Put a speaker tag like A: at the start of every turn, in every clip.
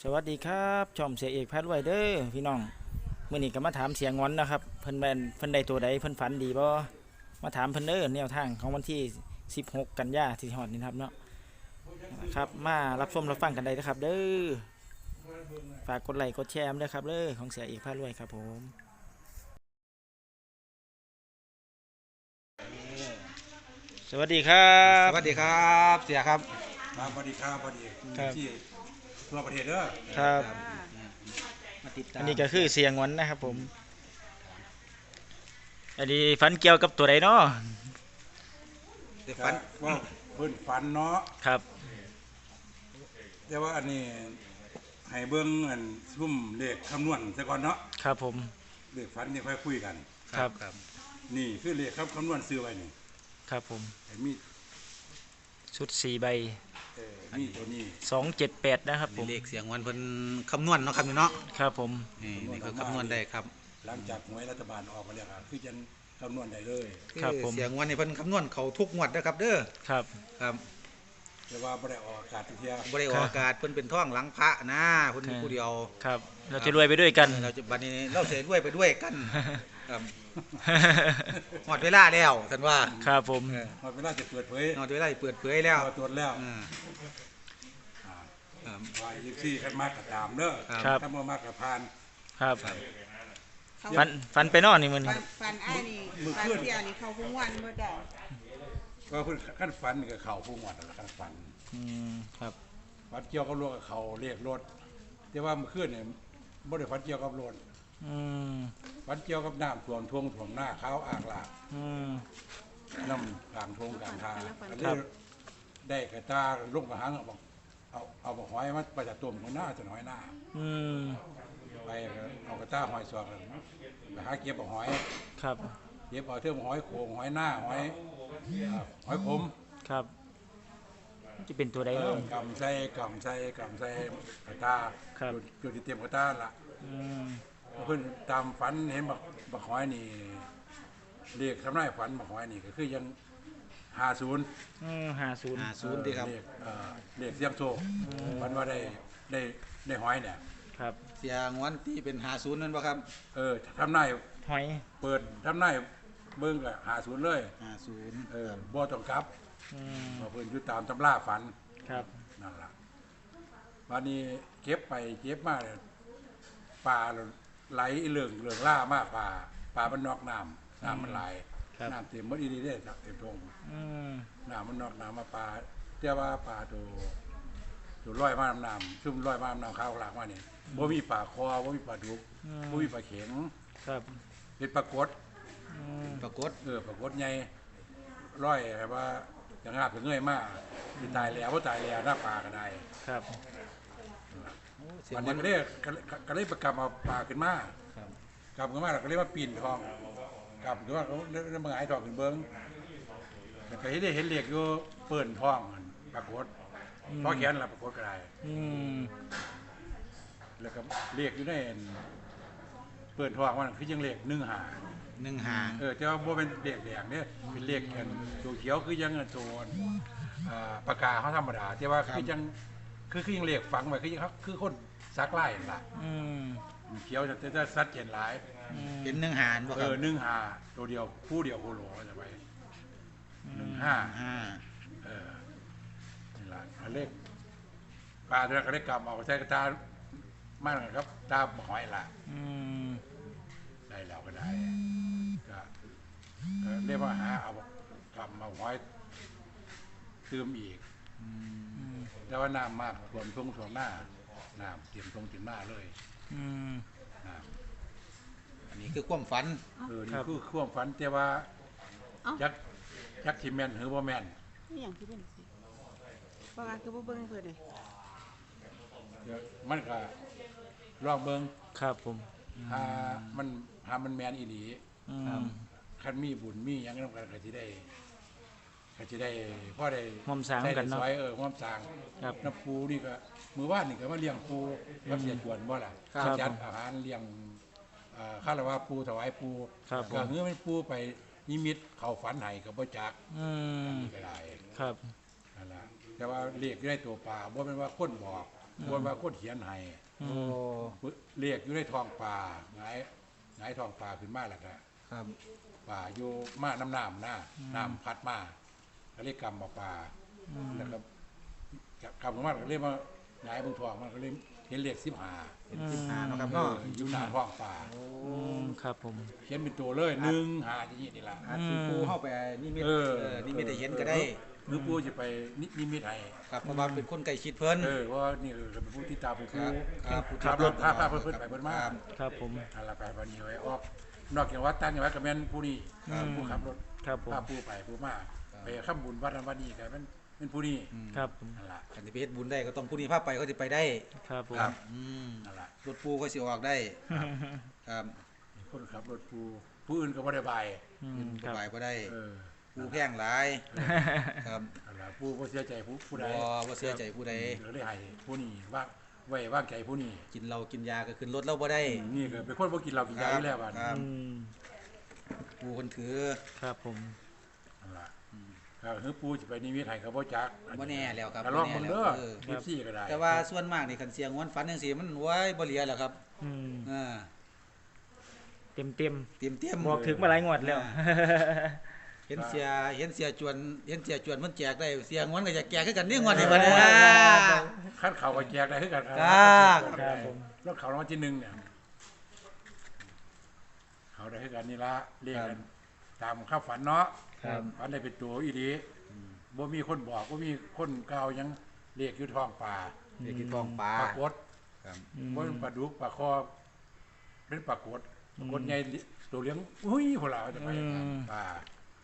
A: สวัสดีครับช่องเสียเอกพารวยเด้อพี่น้องเมื่อนี้ก็มาถามเสียงงอนนะครับเพิ่นได้ตัวใดเพิ่นฝันดีบ่มาถามเพิ่นเด้อแนวทางของวันที่16กันยาที่ฮอดนี่ครับเนาะครับมารับชมรับฟังกันได้นะครับเด้อฝากกดไลค์กดแชร์ด้วยครับเด้อของเสียเอกพารวยครับผมสวัสดีครับ
B: สวัสดีครับเสียครับ
C: ครับสวัสดีครับสวัสดี
A: ครับ
C: ที่ทั่วประเทศเด้อ
A: ครับ
B: มาติดตาม
A: อันนี้ก็คือเสียงงอนนะครับผมอันนี้ฝันเกี่ยวกับตัวใดเนาะ
B: เด็ก
C: ฝั
B: ฝั
C: น
B: น
C: ว่าเพิ่นฝันเนาะ
A: ครับ
C: แต่ว่าอันนี้ให้เบิ่งอันซุ่มเลขคำนวณซะก่อนเนาะ
A: ครับผม
C: เลขฝันนี่ค่อยคุยกัน
A: ครับ
C: นี่คือเลขคำนวณซื้อไว้นี่
A: ครับผม
C: ให้มี
A: ชุด4ใบ
C: มีตัวนี้
A: 278นะครับผม
B: เลขเสียงวันเพิ่นคำนวณเนาะครับเนาะ
A: ครับผม
B: นี่ก็คำนวณได้ครับ
C: หลังจากหวยรัฐบาลออกมาแล้วก็คือจะคำนวณได้เลย
A: ครับผม
B: เสียงวันนี่เพิ่นคำนวณเขาทุกงวดนะครับเด้อ
A: ครับ
B: ครับ
C: แต่ว่าบ่ได้ออกอากาศทุกเที่ย
B: บ่ได้ออกอากาศเพิ่นเป็นท่องหลังพระนะเพิ่นมีผู้เดียว
A: ครับเราจะรวยไปด้วยกัน
B: เราจะบัดนี้เราเสียด้วยไปด้วยกันครับหมดเวลาแล้วท่านว่า
A: ครับผม
C: หมดเวลาจะเปิดเผย
B: หมดเวลาเปิดเผยแล้ว
C: พอตรวจแล้ว
B: อ่า
C: อ่า
B: ครับ
C: ว่าอีกที่คันมากก็ตามเด้อ
B: ครับ
C: ถ้าบ่มากก็ผ่าน
A: ครับ
B: ครับ
A: ฟันไปนอนนี่มัน
D: ฟันอ้ายนี่ฟันเสียนี่เขาคุ้งวันเมื่อใด
C: ก็เพิ่นขั้นฝันนี่ก็เข้าผู้หมวดแล้วขั้นฝัน
A: ครับ
C: ฝันเกี่ยวกับรถกับเขาเรียกรถแต่ว่าเมื่อคืนเนี่ยบ่ได้ฝันเกี่ยวกับรถ
A: อืม
C: ฝันเกี่ยวกับน้ำท่วมท่วมหน้าเขาอ่างหลาก
A: อืม
C: น้ำกลางทงกลางทางก็เลยได้กระตาลงมาหางเอาบอกเอาบอกหอยมาไปจากตัวของหน้าจะน้อยหน้า
A: อืม
C: ไปเอากระตาหอยสวกไปหาเก็บบอกหอย
A: ครับ
C: เก็บเอาเทื่องหอยโขงหอยหน้าหอยขม
A: ครับจะเป็นตัวใด
C: เอ
A: เนาะ
C: อกำใส่กระตา
A: ครับ
C: จุดที่เตรียมกระตาละ
A: อืม
C: เพิ่นตามฝันเห็นบักหอยนี่เรียกทำนายฝันบักหอยนี่ก็คือยัง50
A: 50
B: 50ดีครับ
C: เรียกเสียงโชคฝันว่าได้หอยเนี่ย
A: ครับ
B: เสียงวันที่เป็น50นั่นบ่ครับ
C: ทำนาย
A: หอย
C: เปิดทำนายเบิ่งก็50เลย
B: 50
C: บ่ต้องกลับ
A: อืม
C: เพราะเพิ่นอยู่ตามตำราฝัน
A: ครับ
C: นั่นล่ะวันนี้เก็บไปเก็บมาเนี่ยปลาไหลเหลืองล่ามากปลามันนอกน้ำมันไหลน้ำเต็มหมดอีนี่เด้ครับเต็มทง
A: อืม
C: น้ำมันนอกน้ำมาปลาแต่ว่าปลาตัวร้อยมาน้ำซุ่มร้อยมาน้ำข้าวหลากมานี่บ่มีปลาคอบ่มีปลาดุกบ่มีปลาเข็ง
A: ครับ
C: เป็นปลากด
A: อืม
B: ปรากฏ
C: ปลากดใหญ่ร้อยแบบว่าจะงาบจะเงยมากสิตายแล้วบ่ตายแล้วหน้าปลาก็ได้
A: ครับ
B: เสียง
C: วัน
B: วั
C: นี้
B: น
C: ก็เลยประกำเอาปลาขึ้นมา
B: ครับ
C: กลับขึ้นมาแล้วก็เรียกว่าปีนทองกลับขึ้นมาเขาเรียกมาหงายทองขึ้นเบิ้งแต่ก็เห็นเหล็กอยู่เปิ่นทองมันปรากฏเพราะแขนละปรากฏก็ได้
A: อืม
C: แล้วก็เหล็กอยู่ในเปิ่นทองมันคือยังเหล็ก
B: 15
C: แต่ว่าบ่เป็นเหล็กแดงเนี่ยเป็นเหล็กกันตัวเขียวคือยังตัวปากกาเขาธรรมดาแต่ว่าคือยังคือยังเหล็กฝังไว้คือยังครับคือคนซักไล่นั่นล่ะ
A: อืม
C: เขียวจะสัดเจนหลาย
B: เป็น15บ่ครับ
C: 1 5ตัวเดียวคู่เดียวโคโลจะไป15นี่ล่ะอันเลขปลาตัวนั้นก็ได้กำเอาใช้กระตามากครับตาหอยล่ะ
A: อืม
C: ได้แล้วก็ได้ก็เรียกว่าหาเอากำเอาหอยตืมอีกแต่ว่าน้ำมากท่วมทุ่งท่วมหน้าน้ำเตรียมตรงเตรียมหน้าเลย
A: อืม
C: น้
B: อันนี้คือความฝัน
C: ำนี่คือความฝันแต่ว่ายักษ์ที่แม่นหรือว่าแม่น
D: นี่อย่างที่เป็นสิบางอันคือบ่เบิ่งเพิ่นเลย
C: เดี๋ยวมันก็ลองเบิ่ง
A: ครับผม
C: หามันแม่นอีหลี
A: อืม
C: คันมีบุญมีหยังนำกันก็สิได้พอได้
A: หอมสร้างกันเนาะ
C: ได้ซอยหอมสร้าง
A: ครับ
C: น้ำปูนี่ก็มื้อวานนี่ก็มาเลี้ยงปูกับเสียจวนบ่ล่ะ
A: ครับ
C: จัดอาหารเลี้ยงคารวะปูถวายปู
A: ครับผม
C: ก็เฮือมันปูไปนิมิตเข้าฝันให้ก็บ่จัก
A: อืม
C: นี่ก็ได้
A: ครับ
C: นั่นล่ะแต่ว่าเรียกได้ตัวปลาบ่แม่นว่าคนบอกคนว่าคนเขียนให้
B: โอ้
C: เรียกอยู่ในท้องป่าหงายท้องป่าขึ้นมาแล้วก็
B: ครับ
C: ป่าอยู่มาน้ำน้ำพัดมาก็เรียกกำมาป่าแล้วก็กำของมันก็เรียกว่าหงายบนท้องมันก็เรียกเห็นเรียก15
B: เห็น15เนาะครับเนาะ
C: อยู่หน้าท้องป่า
A: ครับผม
C: เขียนเป็นตัวเลย1 5อย่างนี้นี่ล่ะ
B: อาจสิปูเข้าไปนิมิตนิมิตได้เห็นก็ได้
C: หรือปู่จะไปนิมิตให้
B: ครับเพราะว่าเป็นคนใกล้ชิดเพิ่น
C: ว่านี่เป็นผู้ที่ตามผู้
B: ครับครับผู้ที่
C: ขับรถ
B: ตาม
C: พาเพิ่นไปเพิ่นมา
A: ครับผม
C: อะไรไปวันนี้ไว้ออกนอกจากวัดตั้งอย่างวัดก็แม่นผู้นี้ผู้ขับรถ
A: ครับผม
C: พาผู้ไปผู้มาไปข้ามบุญวัดนั้นวัดนี้ก็เป็นผู้นี้
A: ครับผม
C: นั่นล่ะ
B: คันสิไปเฮ็ดบุญได้ก็ต้องผู้นี้พาไปเขาสิไปได้
A: ครับผม
C: นั่นล่ะ
B: รถปูก็สิออกได้ครับ
C: คนขับรถผู้อื่นก็บ่ได้บาย
A: ครับ
B: ไปบ่ได้
C: เออ
B: ปูแพงหลายครับ
C: นั่นล่ะผู้บ่เสียใจผู้ใด
B: บ่เสียใจผู้ใด
C: ก็ได้ให้ผู้นี้ไว้วางใจผู้นี้
B: กินเหล้ากินยาก็ขึ้นรถเราบ่ได้
C: นี่ก็เป็นคนบ่กินเหล้ากินยาอยู่แล้วบัด
B: ครับ
A: อืม
B: ปูคนถือ
A: ครับผม
C: นั่นล่ะก็คือปู่สิไปนิมิตให้ก็บ่จัก
B: บ่แน่แล้วครับ
C: ก็ลองเบิ่งเด้อ
B: เออ
C: 14ก็ได้
B: แต่ว่าส่วนมากนี่คันเสียงวนฝันจังซี่มันไว้บ่เหลือแล้วครับ
A: อืม
B: อ่า
A: เต็ม
B: เตรียม
A: บอกถึงมาหลายงวดแล้ว
B: เห็นเสียจวนมันแจกได้เสียงวนก็จะแจกคือกันนี่งวดนี้บัดนี้
C: คันเขาก็แจกได้คือกัน
B: ครับ
A: ครับผม
C: รถเขารางวัลที่1เนี่ยเขาได้คือกันนี่ละเรียกกันตามข้าฝันเนาะ
A: ครับ
C: ฝันได้เป็นตัวอีดีบ่มีคนบอกบ่มีคนกล่าวหยังเรียกอยู่ท้องป่า
B: เด็กกินทองปลา
C: ปรากฏ
B: ครับ
C: บ่เป็นปลาดุกปลาคอเป็นปรากฏใหญ่ตัวเลี้ยงอุ้ยพุ่นล่ะจะไปป่า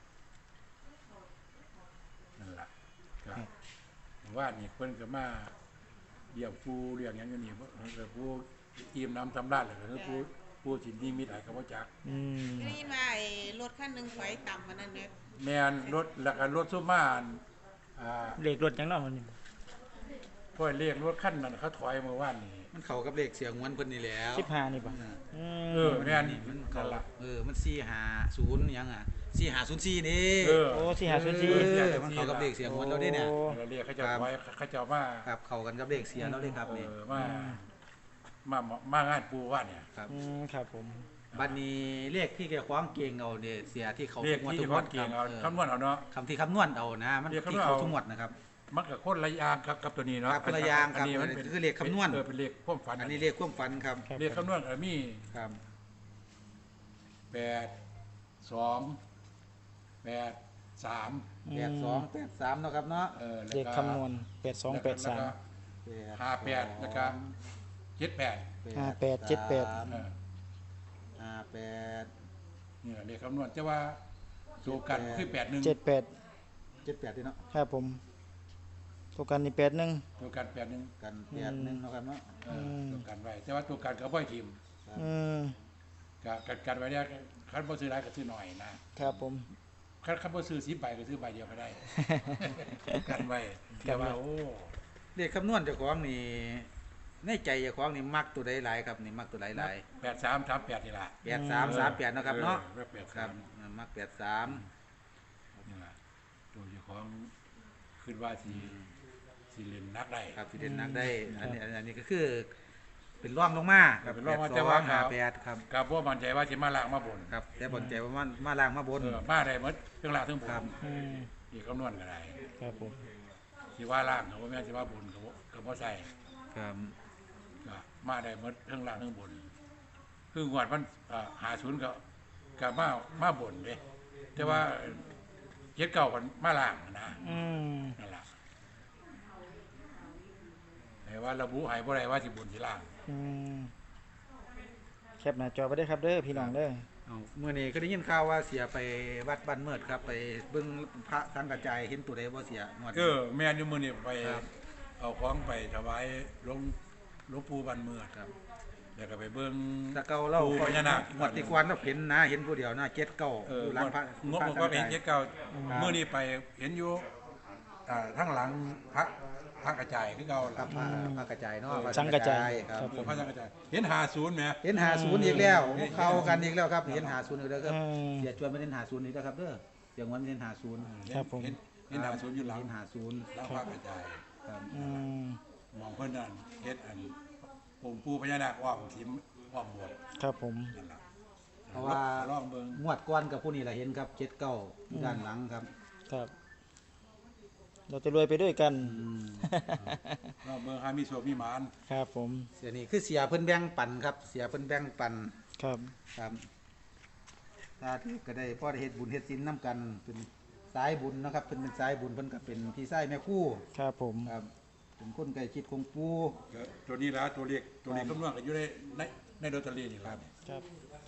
C: นั่นล่ะครับว่านี่เพิ่นก็มาเลี้ยงปูเลี้ยงหยังอยู่นี่ก็ผู้อิ่มน้ำสำราญแล้วก็คือผู้สินิมิตให้ก็บ่จัก
A: อืม
D: ได้ยินว่าไอ้รถคันหนึงไฟต่ำมันนั่นเนี่ย
C: แม่นรถแล้วก็รถซุมาอัน
A: เลขรถยังเนาะมันนี่
C: พ่อเรียกรถคันนั้นเขาถอยเมื่อวานนี้
B: มันเข้ากับเลขเสียงวนเพิ่นนี่แหล้ว
A: 15นี่ป่ะอืม
C: แม่นนี่
B: มันเข้า
C: นั่นล่ะ
B: มัน450หยังอ่ะ4504นี่
C: เออ
A: โอ้4 5 0
B: มันเข้ากับเลขเสียงวนเราได้เนี่ย
C: เราเรียกเขาเจะถอยเขาเจะมา
B: ครับเข้ากันกับเลขเสียเราเลยครับนี่
C: มางานปูว่าเนี่ย
B: ครับ
A: อืมครับผม
B: บัดนี้เลขที่แกคว้างเก่งเอาเนี่ยเสียที่เขา
C: เรียก
B: ทุกงวด
C: ที่
B: ทุก
C: เฉ
B: งว
C: พาะ
B: ด
C: เก่ง
B: ค
C: เอา
B: รับ
C: คำนวณเอาเนาะ
B: คำที่คำนวณเอานะมัน
C: เรียก
B: ที่
C: คำนวณ
B: เขา
C: เอา
B: ทุกงวดนะครับ
C: มันกับคนละอย่างกับตัวนี้เนาะ
B: ครับคนละอย่างครับ
C: นนี้มันเป็น
B: คือเลขคำนวณ
C: เป็นเลขความฝัน
B: อันนี้เลขความฝันครับ
A: ครับ
C: เรียกคำนวณมี
B: ครับ
C: 8 2 8 3
B: 8283เนาะครับเนาะ
C: แล้ว
A: เลข
C: ก็
A: คำนวณ 82
C: แล้วก็
A: 83
C: 58แล้วก็78
A: 58 78
C: เออ
B: 58
C: นี่แหละเลขคำนวณแต่ว่าตัวกันคือ81
A: 78
B: 78ที่เนาะ
A: ครับผมตัวกันนี่81
C: ตัวกัน81
B: กัน81เนาะครับเนาะ
C: ตัวกันไว้แต่ว่าตัวกันก็บ่อยทีม
A: อืม
C: กันไว้เนี่ยคันบ่ซื้อหลายก็ซื้อหน่อยนะครับ
A: ผม
C: คันบ่ซื้อ10ใบก็ซื้อใบเดียวก็ได้ กันไว้แต่ว่าโอ้
B: เลขคำนวณเจ้าของนี่ในใจเจ้าของนี่มักตัวใดหลายครับนี่มักตัวใดหลาย
C: 8338นี่ล่ะ
B: 8338เนาะครับเนาะ
C: 83
B: ครับมัก83
C: นี่ล่ะตัวเจ้าของคิดว่าสิเล่นนักได้
B: ครับที่เด่นนักได้อันนี้ก็คือเป็นร่องลงมาครับ
C: เป็นรองมาแต่ว่า
B: 58ครับ
C: ก็บ่มั่นใจว่าสิมาล้างมาบน
B: ครับแต่บนใจว่ามาล่างมาบน
C: มาได้หมดเรื่องล่างทั้งบน
B: ครับ
A: อืม
C: อีกคำนวณก็ได้
A: ครับผม
C: สิว่าล่างก็บ่แม่นสิว่าบนก็บ่ใช่
B: ครับ
C: ก็มาได้หมดเรื่องล่างทั้งบนคืองวดมัน50ก็มาบนเด้แต่ว่า79มันมาล่างนะ
A: อืม
C: นั่นล่ะแต่ว่าระบุให้บ่ได้ว่าสิบนสิล่าง
A: อืมแคปหน้าจอไปได้ครับเด้อพี่น้องเด้อ
B: เอาเมื่อนี้ก็ได้ยินข่าวว่าเสียไปวัดบ้านเมิดครับไปเบิ่งพระสังกระจายเห็นตัวใดบ่เสียงวด
C: ก็แม่นอยู่มื้อนี้ไป
B: ครับ
C: เอาของไปถวายหลวงปู่บ้านเมือง
B: ครับ
C: แล้วก็ไปเบิ่ง
B: ตะเกาเล่า
C: ปู่พญานาค
B: งวดที่กวนเราเห็นนะเห็นผู้เดียวนะเจ็ดเก้า
C: อยู่
B: หลังพระ
C: งบ
B: พระ
C: ผม
B: สัง
C: ก็
B: ก
C: ไป
B: ระ
C: เห็น
B: จาย
C: เจ็ดเก้า
B: ครับ
C: มื้อนี้ไปเห็นอยู่ทั้งหลังพระกระจายคือเก่า
B: ครั
C: ล่ะ
B: บพระกระจายเนาะ
A: สังกระจาย
B: ครับ
C: ปู่พระสังกระจายเห็น50แหม
B: เห็น50อีกแล้วเข้ากันอีกแล้วครับเห็น50อีกแล้วครับ
A: อืม
B: เสียจวนไม่เห็น50อีกแล้วครับเด้อเสียงวันไม่เห็น50
A: ครับผม
C: เห็น50อยู่หลัง
B: เห็น50
C: หลังพระกระจาย
B: ครับ
A: อืม
C: มองเพิ่นนั่นเฮ็ดอันองค์ปู่พญานาคอ้อมทิมอ้อมโบสถ์
A: ครับผม
C: นั่นล่ะ
B: เพราะว่า
C: ลองเบิ่ง
B: งวดก้อนกับผู้นี้แหละเห็นครับเจ็ดเก้าด้านหลังครับ
A: ครับ เราจะรวยไปด้วยกัน
C: ลองเบิ่งหามีโชคมีหมาน
A: ครับผม
B: เสียนี่คือเสียเพิ่นแบ่งปันครับ เสียเพิ่นแบ่งปัน
A: ครับ
B: ครับตาที่ก็ได้พ่อได้เฮ็ดบุญเฮ็ดศีลนํกันเป็นสายบุญนะครับเพิ่นเป็นสายบุญเพิ่นก็เป็นพี่ชายแม่ครู่
A: ครับผม
B: ครับเป็นคนใกล้ชิดของปู่
C: ก็ตัวนี้ล่ะตัวเลขคำนวณก็อยู่ในลอตเตอรี่นี่ล่ะ
A: ครับ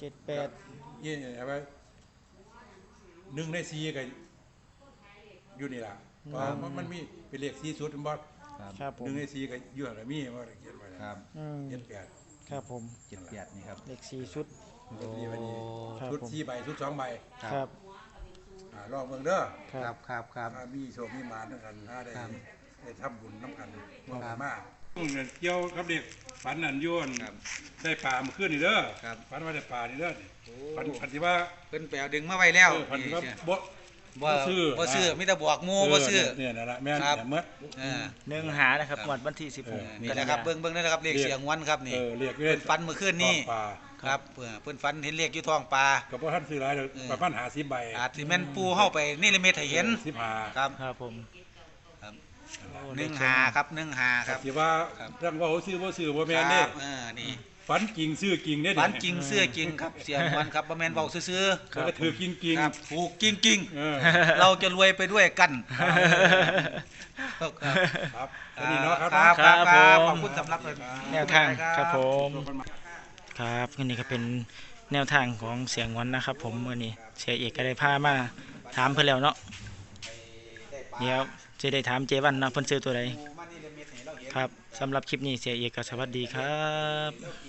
A: 78
C: ยี่เอาไว้1ใน4ก็อยู่นี่ล่ะเพราะมันมีเป็นเลข4ชุดมันบ่
A: ครับผม
C: 1ใน4ก็อยู่หั่นล่ะมีว่าเขียนไว้
B: ครับ
A: อืม
C: 78
A: ครับผม
B: 78นี่ครับ
A: เลข4ชุด
C: ลอตเตอรี่วันนี้
A: ครับ
C: ชุด
A: ผม
C: 4ใบชุด2ใบ
A: ครับ
C: ลองเบิ่งเด้อ
A: ครั
B: ครับ บครับครับ
C: ถ้ามีโชคมีหมานด้วยกันถ้าได้
B: ครับ
C: ได้ทำบุญน้ำกันร่วม
B: ครั
C: กับ นมากเกี่ยวกับเด็กฝันอันโยน
B: ครับ
C: ได้ป่ามาขึ้นนี่เด้อ
B: ครับ
C: ฝันว่าได้ป่านี่เด้อ
B: โอ้
C: ฝันที่ว่า
B: เพิ่นไปเอาดึงมาไว้แล้ว
C: ฝันที่ว่า
B: นี่
C: บ่
B: บ่
C: ซื้อ
B: บ่ซื้อมีแต่บอกหมู่บ่ซื้อ
C: เนี่ยนั่นล่ะแม่น
B: ครับ
C: เนี่ยเมื่อ
B: เออ
A: เนื้อหานะครับ
B: ครับ
A: งวดวันที่
B: นี่
A: 16
B: แหละครับเบิ่งได้นะครับเลขเสียงวันครับนี่
C: เรียก
B: เพิ่นฟันเมื่อคืนนี้
C: ป่า
B: ครับเพิ่นฟันเห็นเลขอยู่ท้องปลา
C: ก็บ่ทันซื้อหลายดอก
B: เออ
C: ประมาณ50ใบ
B: อาจสิแม่นปูเฮาไปนี่ละเม็ดให้เห็น
C: 15
B: ครับ
A: ครับผม
B: ครับ
A: โอ้
B: หนึ่งหาครับหนึ่งหาครับ
C: ที่ว่า
B: ครับ
C: เรื่องว่าเขาซื้อบ่ซื้อบ่แม่น
B: ค
C: เด้
B: รับนี่
C: ฝันจริงซื้อจริงเด้
B: ฟันจริงเสื้อจริงครับเสียงวันครับบ่แม่นเว้าซื่อ
C: แล้วก็ถือจริง
B: ๆครับถูกจริง
C: ๆเออ
B: ๆ เราจะรวยไปด้วยกันครับ
C: ครับอันนี้เนาะครับ
B: ครับ
A: ครับ
B: ครับ
A: ผม
B: ขอบคุณสำหรับ
A: แนวทางครับผม
C: โชคกันมา
A: ครับนี่ก็เป็นแนวทางของเสียงวันนะครับ ผมมื้อนี้เสียเอกก็ได้พามาถามเพิ่นแล้วเนาะเดี๋ยวจะได้ถามเจวันนะเพิ่นซื้อตัวใด
B: มานี่ละเม็ดให้เราเห็น
A: ครับสำหรับคลิปนี้เสียเอกก็สวัสดีครับ